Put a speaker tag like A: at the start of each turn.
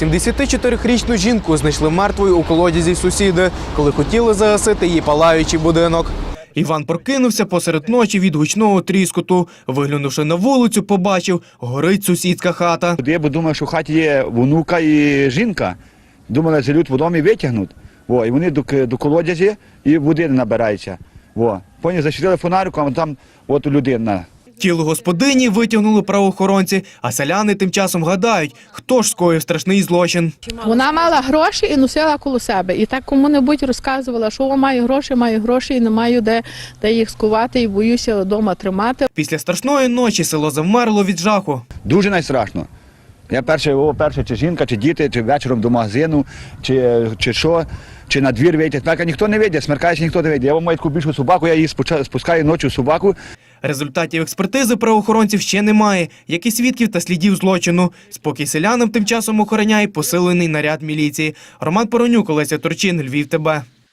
A: 74-річну жінку знайшли мертвою у колодязі сусіди, коли хотіли загасити її палаючий будинок. Іван прокинувся посеред ночі від гучного тріскоту. Виглянувши на вулицю, побачив – горить сусідська хата.
B: Я б думав, що в хаті є внука і жінка. Думали, залють водом і витягнуть. І вони до колодязі і води не набираються. Потім засвітили фонариком, а там от людина.
A: Тіло господині витягнули правоохоронці, а селяни тим часом гадають, хто ж скоїв страшний злочин.
C: Вона мала гроші і носила коло себе. І так кому-небудь розказувала, що маю гроші і не маю де їх скувати і боюся вдома тримати.
A: Після страшної ночі село завмерло від жаху.
B: Дуже найстрашно. Я перше, чи жінка, чи діти, чи вечором до магазину, чи що, чи на двір вийти. Смерка ніхто не вийде, смеркається ніхто не вийде. Я маю таку більшу собаку, я її спускаю ночі собаку.
A: Результатів експертизи правоохоронців ще немає, як і свідків та слідів злочину. Спокій селянам тим часом охороняє посилений наряд міліції. Роман Поронюк, Олеся Турчин, Львів ТБ.